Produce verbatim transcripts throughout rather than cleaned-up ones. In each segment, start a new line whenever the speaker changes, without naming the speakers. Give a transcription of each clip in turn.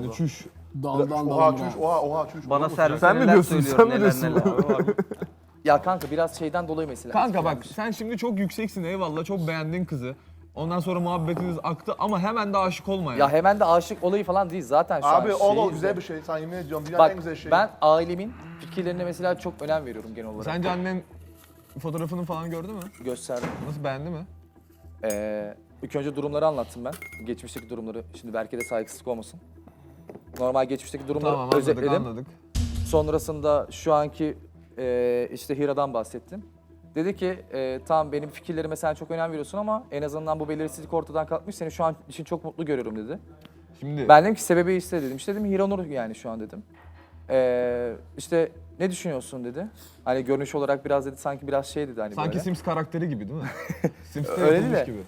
galiba.
çüş.
Daldan
Oha
daldan.
çüş, oha oha çüş.
Bana
Olur mu
servis
Sen mi
neler
diyorsun,
söylüyor,
sen mi
neler
diyorsun?
neler. Abi.
Ya kanka biraz şeyden dolayı mesela.
Kanka bak
etkilenmiş.
sen şimdi çok yükseksin eyvallah, çok beğendin kızı. Ondan sonra muhabbetiniz aktı ama hemen de aşık olma ya.
Ya hemen de aşık olayı falan değil zaten şu
Abi
an
o
şeyi-
o güzel bir şey. Sana yemin ediyorum dünyanın en
Bak
güzel şeyi.
ben ailemin fikirlerine mesela çok önem veriyorum genel olarak.
Sence annen fotoğrafını falan gördü mü?
Gösterdim.
Nasıl, beğendi mi?
Ee, ilk önce durumları anlattım ben. Geçmişteki durumları. Şimdi belki de saygısızlık olmasın. Normal geçmişteki durumları
Tamam, anladık
özetledim.
anladık.
Sonrasında şu anki e, işte Hira'dan bahsettim. Dedi ki e, tamam benim fikirlerime sen çok önem veriyorsun ama en azından bu belirsizlik ortadan kalkmış. Seni şu an için çok mutlu görüyorum dedi.
Şimdi
Ben dedim ki sebebi iste dedim. İşte dedim Hiranur yani şu an dedim. Ee, işte ne düşünüyorsun dedi. Hani görünüş olarak biraz dedi sanki biraz şey dedi hani
sanki
böyle.
Sims karakteri gibi değil mi? Sims'te
Öyle
yapılmış
değil
gibi.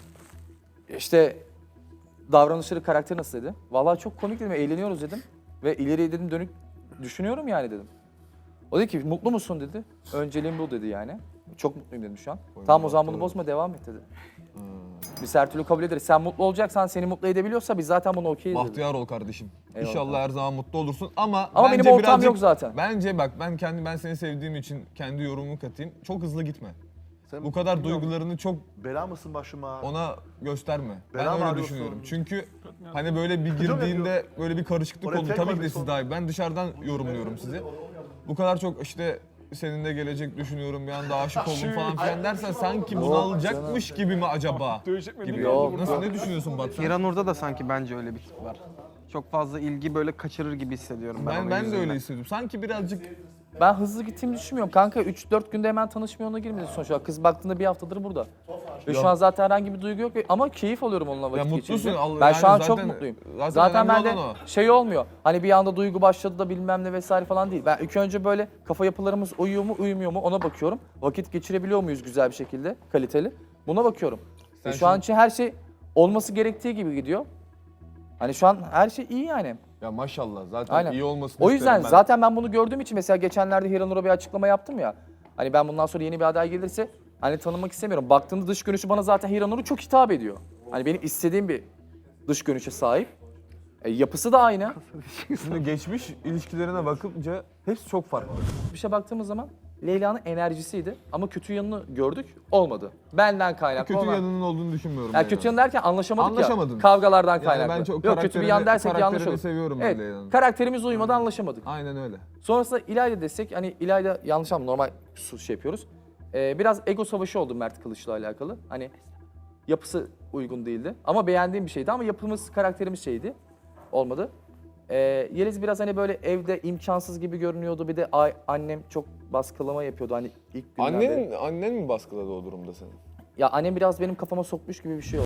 İşte davranışları karakteri nasıl dedi. Vallahi çok komik dedim eğleniyoruz dedim. Ve ileriye dedim dönük düşünüyorum yani dedim. O dedi ki mutlu musun dedi. Önceliğim bu dedi yani. Çok mutluyum dedim şu an.
Oy,
Tamam o zaman
mutlu
bunu bozma devam et dedi.
Hmm.
Biz her türlü kabul ederiz. Sen mutlu olacaksan seni mutlu edebiliyorsa biz zaten bunu okeyiz dedi.
Bahtiyar ol kardeşim.
Eyvallah.
İnşallah her zaman mutlu olursun ama
Ama
bence
benim ortam
birazcık-
yok zaten.
Bence bak ben kendi ben seni sevdiğim için kendi yorumumu katayım. Çok hızlı gitme.
Sen
Bu kadar
bilmiyorum,
duygularını çok
Bela mısın başıma?
ona gösterme.
Bela
Ben
mı
öyle
arıyorsun?
düşünüyorum. Çünkü hani böyle bir
Kötü mü
girdiğinde böyle bir karışıklık
Oraya
oldu.
tek
Tabii
koy
ki de
bir
siz
son.
daha ben dışarıdan yorumluyorum sizi. Bu kadar çok işte seninle gelecek düşünüyorum bir anda aşık oldum falan filan dersen sanki bunu alacakmış gibi mi acaba? Gibi.
Yok,
Nasıl, ne düşünüyorsun Batu?
Hiranur'da da sanki bence öyle bir tip var. Çok fazla ilgi böyle kaçırır gibi hissediyorum ben.
Ben
onun
ben de
yüzünden.
öyle hissediyorum. Sanki birazcık
Ben hızlı gittiğimi düşünmüyorum. Kanka üç dört günde hemen tanışma yoluna girmedi sonuç olarak. Kız baktığında bir haftadır burada. Ve şu an zaten herhangi bir duygu yok ve- ama keyif alıyorum onunla vakit
mutlusun,
geçirince.
Allah-
Ben
yani
şu an çok
zaten-
mutluyum.
zaten
Zaten
önemli
bende
olan o.
şey olmuyor. Hani bir anda duygu başladı da bilmem ne vesaire falan değil. Ben ilk önce böyle kafa yapılarımız uyuyor mu uyumuyor mu ona bakıyorum. Vakit geçirebiliyor muyuz güzel bir şekilde kaliteli. Buna bakıyorum.
Sen
Ve şu an
şimdi-
için her şey olması gerektiği gibi gidiyor. Hani şu an her şey iyi yani.
ya maşallah zaten
Aynen.
iyi olmasını
O yüzden
isterim ben.
zaten ben bunu gördüğüm için mesela geçenlerde Hiranur'a bir açıklama yaptım ya. Hani ben bundan sonra yeni bir aday gelirse hani tanımak istemiyorum. Baktığında dış görünüşü bana zaten Hiranur'u çok hitap ediyor. Hani benim istediğim bir dış görünüşe sahip. E, yapısı da aynı.
Şimdi geçmiş ilişkilerine bakınca hepsi çok farklı.
Bir şey baktığımız zaman Leyla'nın enerjisiydi ama kötü yanını gördük olmadı. Benden kaynaklı.
Kötü
olan-
yanının olduğunu düşünmüyorum.
Ya
Leyla'nın.
kötü yanı derken anlaşamadık
Anlaşamadınız.
ya. Kavgalardan
Yani
kaynaklı.
ben çok
Yok kötü bir yan
karakterini-
dersek yanlış
karakterini
olur.
seviyorum ben
Evet.
Leyla'nın.
Karakterimiz uyumadı anlaşamadık.
Aynen öyle.
Sonrasında İlayda desek hani İlayda yanlış anlama normal su- şey yapıyoruz. Ee, biraz ego savaşı oldu Mert Kılıç'la alakalı. Hani yapısı uygun değildi ama beğendiğim bir şeydi ama yapımız karakterimiz şeydi. Olmadı. Ee, Yeliz biraz hani böyle evde imkansız gibi görünüyordu. Bir de ay- annem çok baskılama yapıyordu hani ilk günden beri.
Annen, annen mi baskıladı o durumda seni?
Ya annem biraz benim kafama sokmuş gibi bir şey oldu.